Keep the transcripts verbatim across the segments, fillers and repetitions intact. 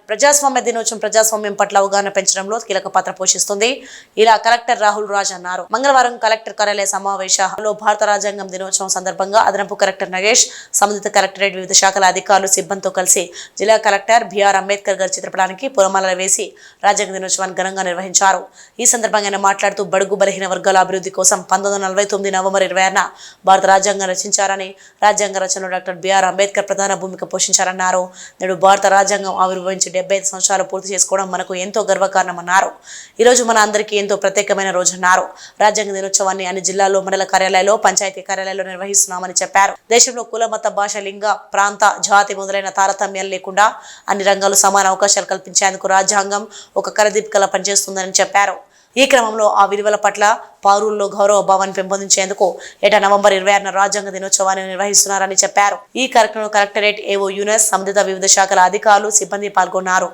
ప్రజాస్వామ్య దినోత్సవం ప్రజాస్వామ్యం పట్ల అవగాహన పెంచడంలో కీలక పాత్ర పోషిస్తుంది. ఇలా కలెక్టర్ రాహుల్ రాజ్ అన్నారు. మంగళవారం కలెక్టర్ కార్యాలయ సమావేశంలో భారత రాజ్యాంగం దినోత్సవం సందర్భంగా అదనపు కలెక్టర్ నగేష్, సంబంధిత కలెక్టరేట్ వివిధ శాఖల అధికారులు సిబ్బందితో కలిసి జిల్లా కలెక్టర్ బిఆర్ అంబేద్కర్ గారి చిత్రపటానికి పూలమాలలు వేసి రాజ్యాంగ దినోత్సవాన్ని ఘనంగా నిర్వహించారు. ఈ సందర్భంగా ఆయన మాట్లాడుతూ బడుగు బలహీన వర్గాల అభివృద్ధి కోసం పంతొమ్మిది వందల నలభై తొమ్మిది నవంబర్ ఇరవై ఆరున భారత రాజ్యాంగం రచించారని, రాజ్యాంగ రచనలో డాక్టర్ బిఆర్ అంబేద్కర్ ప్రధాన భూమిక పోషించారన్నారు. నేడు భారత రాజ్యాంగం ఆవిర్భవించి డెబ్బై ఐదు సంవత్సరాలు పూర్తి చేసుకోవడం మనకు ఎంతో గర్వకారణమన్నారు. ఈ రోజు మన అందరికీ ఎంతో ప్రత్యేకమైన రోజన్నారు. రాజ్యాంగ దినోత్సవాన్ని అన్ని జిల్లాల్లో, మండల కార్యాలయాల్లో, పంచాయతీ కార్యాలయాల్లో నిర్వహిస్తున్నామని చెప్పారు. దేశంలో కుల, మత, భాష, లింగ, ప్రాంత, జాతి మొదలైన తారతమ్యాలు లేకుండా అన్ని రంగాలు సమాన అవకాశాలు కల్పించేందుకు రాజ్యాంగం ఒక కరదీపికలా పనిచేస్తుందని చెప్పారు. ఈ క్రమంలో ఆ విలువల పట్ల పౌరుల్లో గౌరవ భావాన్ని పెంపొందించేందుకు ఏటా నవంబర్ ఇరవై ఆరున రాజ్యాంగ దినోత్సవాన్ని నిర్వహిస్తున్నారని చెప్పారు. ఈ కార్యక్రమంలో కలెక్టరేట్ ఏవో యూనస్, సంబంధిత వివిధ శాఖల అధికారులు, సిబ్బంది పాల్గొన్నారు.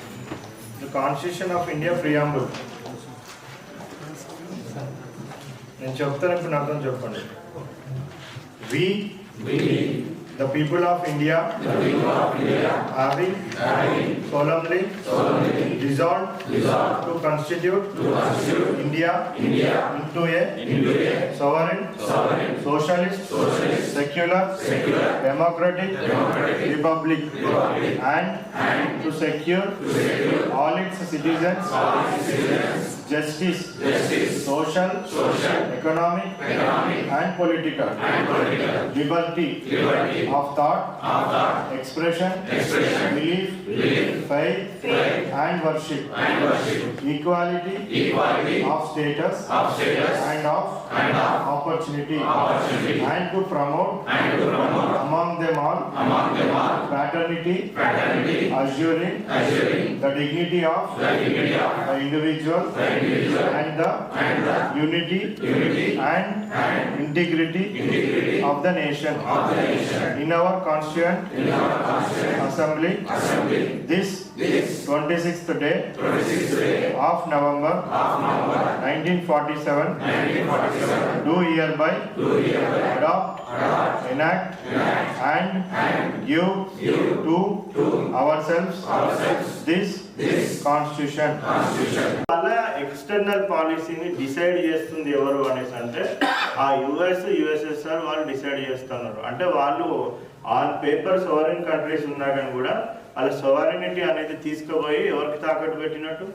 The people of India, the people of India having, having solemnly, solemnly resolved, resolved to constitute, to constitute India, India into a, into a sovereign, sovereign socialist, socialist secular, secular democratic, democratic republic, republic and, and to secure, to secure all its citizens, all its citizens justice, justice social, social economic, economic and political, and political liberty, liberty of thought, of thought expression, expression belief, belief faith, faith and worship, and worship equality, equality of status, of status and of, and of opportunity, opportunity and to promote, and to promote among them all, among them all fraternity, fraternity assuring, assuring the dignity of, the dignity of the individual, the individual and the, and the unity, unity and, and integrity, integrity of the nation, of the nation in our constituent, in our constituent assembly, assembly this, this twenty-sixth day, twenty-sixth day of November, of November nineteen forty-seven, nineteen forty-seven do hereby, do hereby adopt, adopt enact, enact and, and give, give to, to ourselves, ourselves this, this constitution, constitution. External పాలసీని decide చేస్తుంది ఎవరు అనేసి అంటే ఆ US USSR వాళ్ళు decide చేస్తున్నారు. అంటే వాళ్ళు ఆన్ పేపర్ సోవరెన్ కంట్రీస్ ఉన్నా కానీ కూడా వాళ్ళ సోవరెనిటీ అనేది తీసుకుపోయి ఎవరికి తాకట్టు పెట్టినట్టు,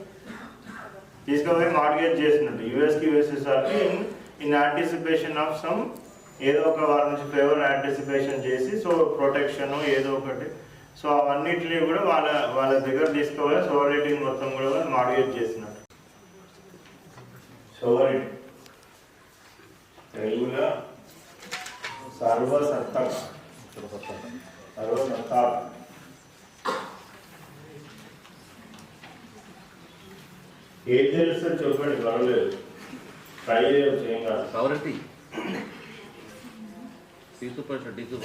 తీసుకుపోయి మార్గేజ్ చేసినట్టు యుఎస్కి యుఎస్ఎస్ఆర్కి in in anticipation of some ఏదో ఒక వాళ్ళ నుంచి ఫేవర్ యాంటిసిపేషన్ చేసి సో ప్రొటెక్షన్ ఏదో ఒకటి సో అవన్నిటిని కూడా వాళ్ళ వాళ్ళ దగ్గర తీసుకుపోయి సోవరెనిటీ మొత్తం కూడా మార్గేజ్ చేసినట్టు. సోవరెనిటీ తెలుగులో సర్వసత్తా, సర్వసత్తా ఏం తెలుస్తుంది చెప్పండి, పర్వాలేదు ట్రై చేయవచ్చు, ఏం కాదు. సవరెంటీ తీసుకుపోయి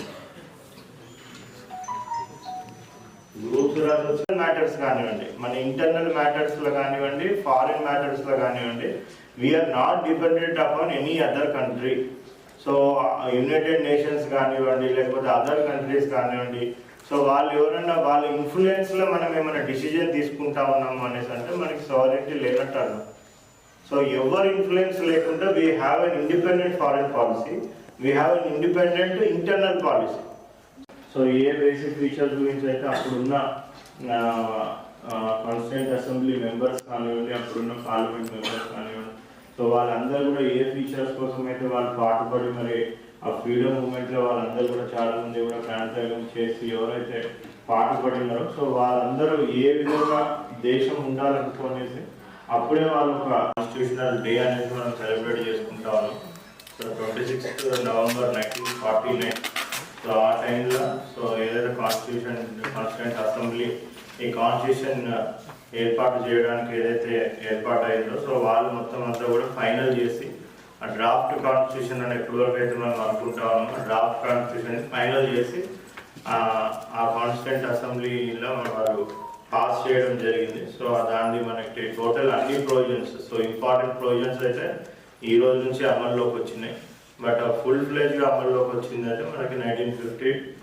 గ్రూప్స్ రాసి మ్యాటర్స్ కానివ్వండి, మన ఇంటర్నల్ మ్యాటర్స్లో కానివ్వండి, ఫారిన్ మ్యాటర్స్లో కానివ్వండి, we are not dependent upon any other country. So United Nations కానివ్వండి, లేకపోతే అదర్ కంట్రీస్ కానివ్వండి, సో వాళ్ళు ఎవరైనా వాళ్ళ ఇన్ఫ్లుయెన్స్లో మనం ఏమైనా డిసిజన్ తీసుకుంటా ఉన్నాము అనేసి అంటే మనకి సావరెంటీ లేనట్టు అర్థం. సో ఎవరి ఇన్ఫ్లుయెన్స్ లేకుండా we have an independent foreign policy, we have an independent internal policy. So a basic features గురించి అయితే అప్పుడున్న కాన్స్టిట్యూంట్ అసెంబ్లీ మెంబర్స్ కానివ్వండి, అప్పుడున్న పార్లమెంట్ మెంబర్స్ కానివ్వండి, సో వాళ్ళందరూ కూడా ఏ ఫీచర్స్ కోసం అయితే వాళ్ళు పాటుపడి మరి ఆ ఫ్రీడమ్ మూమెంట్లో వాళ్ళందరూ కూడా చాలా మంది కూడా ప్రాంతాగం చేసి ఎవరైతే పాటుపడినారో సో వాళ్ళందరూ ఏ విధంగా దేశం ఉండాలనుకునేసి అప్పుడే వాళ్ళు ఒక కాన్స్టిట్యూషనల్ డే అనేది మనం సెలబ్రేట్ చేసుకుంటా ఉన్నాం. So twenty sixth November nineteen forty nine so ఆ టైంలో సో ఏదైతే కాన్స్టిట్యూషన్ కాన్స్టిట్యూంట్ అసెంబ్లీ ఈ కాన్స్టిట్యూషన్ ఏర్పాటు చేయడానికి ఏదైతే ఏర్పాటు అయిందో సో వాళ్ళు మొత్తం అంతా కూడా ఫైనల్ చేసి ఆ డ్రాఫ్ట్ కాన్స్టిట్యూషన్ అని ఎప్పటివరకు అయితే మనం అనుకుంటా ఉన్నాం డ్రాఫ్ట్ కాన్స్టిట్యూషన్ ఫైనల్ చేసి ఆ కాన్స్టిట్యూంట్ అసెంబ్లీలో వాళ్ళు పాస్ చేయడం జరిగింది. సో దాన్ని మనకి టోటల్ అన్ని ప్రొవిజన్స్ సో ఇంపార్టెంట్ ప్రొవిజన్స్ అయితే ఈ రోజు నుంచి అమల్లోకి వచ్చినాయి. బట్ ఫుల్ ఫ్లెజ్గా అమల్లోకి వచ్చిందంటే మనకి నైన్టీన్ ఫిఫ్టీ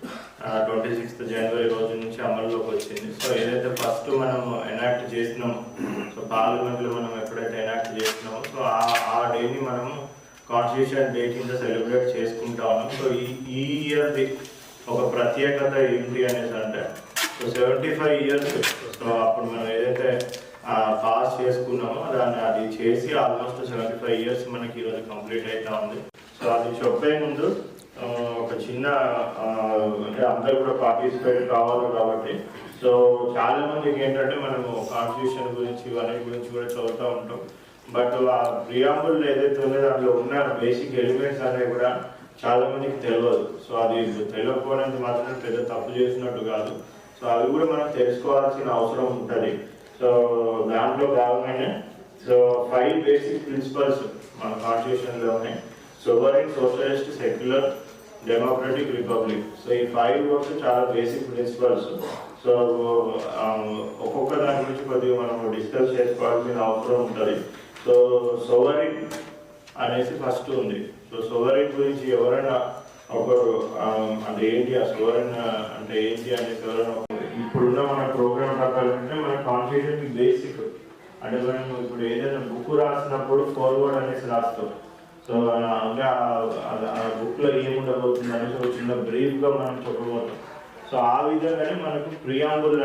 ట్వంటీ సిక్స్త్ జనవరి రోజు నుంచి అమల్లోకి వచ్చింది. సో ఏదైతే ఫస్ట్ మనం ఎనాక్ట్ చేసినామో, సో పార్లమెంట్లో మనం ఎప్పుడైతే ఎనాక్ట్ చేసినామో, సో ఆ ఆ డేని మనము కాన్స్టిట్యూషన్ డే కింద సెలబ్రేట్ చేసుకుంటా ఉన్నాం. సో ఈ ఈ ఇయర్ది ఒక ప్రత్యేకత ఏంటి అనేసి అంటే, so seventy five years so అప్పుడు మనం ఏదైతే పాస్ చేసుకున్నామో దాన్ని అది చేసి ఆల్మోస్ట్ సెవెంటీ ఫైవ్ ఇయర్స్ మనకి ఈరోజు కంప్లీట్ అవుతా ఉంది. సో అది చెప్పే ముందు ఒక చిన్న అంటే అందరూ కూడా పార్టిసిపేట్ కావాలి కాబట్టి, సో చాలా మందికి ఏంటంటే మనము కాన్స్టిట్యూషన్ గురించి ఇవన్నీ గురించి కూడా చదువుతూ ఉంటాం. బట్ ఆ ప్రియాంబుల్ ఏదైతే ఉందో దాంట్లో ఉన్న బేసిక్ ఎలిమెంట్స్ అనేవి కూడా చాలా మందికి తెలియదు. సో అది తెలియకపోవడానికి మాత్రం పెద్ద తప్పు చేసినట్టు కాదు. సో అవి కూడా మనం తెలుసుకోవాల్సిన అవసరం ఉంటుంది. సో దాంట్లో భాగంగానే సో ఫైవ్ బేసిక్ ప్రిన్సిపల్స్ మన కాన్స్టిట్యూషన్లో ఉన్నాయి. Sovereign, socialist, secular, democratic, republic. So ఈ ఫైవ్ వర్డ్స్ చాలా బేసిక్ ప్రిన్సిపల్స్. సో ఒక్కొక్క దాని గురించి కొద్దిగా మనం డిస్కస్ చేసుకోవాల్సిన అవసరం ఉంటుంది. సో సోవరెన్ అనేసి ఫస్ట్ ఉంది. సో సోవరెన్ గురించి ఎవరైనా ఒకరు అంటే ఏంటి ఆ సోవరెన్ అంటే ఏంటి అనేసి ఎవరైనా ఇప్పుడున్న మన ప్రోగ్రామ్ ప్రకారం అంటే మన కాన్స్టిట్యూషన్ బేసిక్ అంటే మనం ఇప్పుడు ఏదైనా బుక్ రాసినప్పుడు ఫార్వర్డ్ అనేసి రాస్తాం. సో అంటే ఆ బుక్లో ఏముండబోతుంది అనేసి ఒక చిన్న బ్రీఫ్గా మనం చెప్పబోతాం. సో ఆ విధంగానే మనకు ప్రియాంబుల్